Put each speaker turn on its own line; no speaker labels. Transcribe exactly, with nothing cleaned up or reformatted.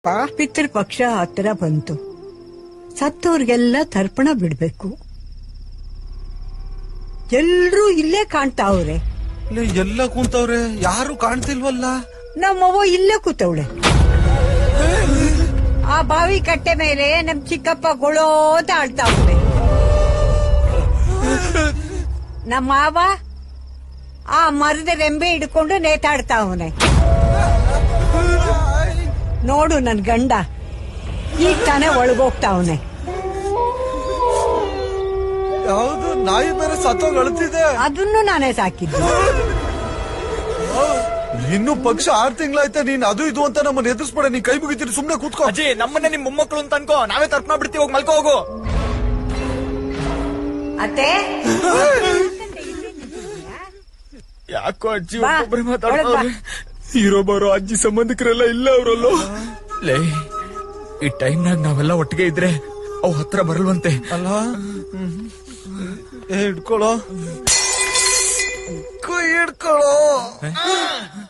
ಪಿತೃ ಪಕ್ಷ ಹತ್ರ ಬಂತು. ಸತ್ತೋರ್ಗೆಲ್ಲ ತರ್ಪಣ ಬಿಡ್ಬೇಕು. ಎಲ್ರೂ ಇಲ್ಲೇ ಕಾಣ್ತಾವ್ರೆ.
ಎಲ್ಲ ಕುಂತವ್ರೆ, ಯಾರು ಕಾಣ್ತಿಲ್ವಲ್ಲ.
ನಮ್ಮವ್ವ ಇಲ್ಲೇ ಕೂತವಳೆ. ಆ ಬಾವಿ ಕಟ್ಟೆ ಮೇಲೆ ನಮ್ ಚಿಕ್ಕಪ್ಪ ಗೊಳೋ ಅಂತ ಆಳ್ತಾವ್ರೆ. ನಮ್ಮ ಮಾವ ಆ ಮರದ ರೆಂಬೆ ಹಿಡ್ಕೊಂಡು ನೇತಾಡ್ತಾವನೆ. ನೋಡು ನನ್ ಗಂಡ ಈಗ ತಾನೇ ಒಳಗೋಗ್ತಾವನೆ.
ಯಾವ್ದು ನಾಯಿ ಬೇರೆ ಸತ್ತೋಗ್ ಅಳ್ತಿದೆ.
ಅದನ್ನು ನಾನೇ ಸಾಕಿದ್ದು.
ಇನ್ನು ಪಕ್ಷ ಆರ್ ತಿಂಗಳಾಯ್ತಾ ನೀನ್ ಅದು ಇದು ಅಂತ ನಮ್ಮನ್ನ ಎದುರಿಸ್ಬೇಡ. ನೀನ್ ಕೈ ಮುಗಿತೀರಿ, ಸುಮ್ನೆ ಕೂತ್ಕೋ.
ಅಜ್ಜಿ, ನಮ್ಮನ್ನೇ ನಿಮ್ ಮೊಮ್ಮಕ್ಕಳು ಅಂತ ಅನ್ಕೋ, ನಾವೇ ತರ್ಪಣ ಬಿಡ್ತೀವಿ. ಹೋಗಿ ಮಲ್ಕೋ ಹೋಗು.
ಅತ್ತೆ
ಯಾಕೋ ಅಜ್ಜಿ ಒಬ್ಬೊಬ್ಬರೇ ಮಾತಾಡ್ತಾರೆ. ಇರೋ ಬರೋ ಅಜ್ಜಿ ಸಂಬಂಧಿಕರೆಲ್ಲ ಇಲ್ಲ ಅವರಲ್ಲೋ. ಲೇ, ಈ ಟೈಮ್ನಾಗ ನಾವೆಲ್ಲ ಒಟ್ಟಿಗೆ ಇದ್ರೆ ಅವ್ ಹತ್ರ ಬರಲ್ವಂತೆ.
ಅಲ್ಲ ಹಿಡ್ಕೊಳೋ, ಕೈ ಹಿಡ್ಕೊಳೋ.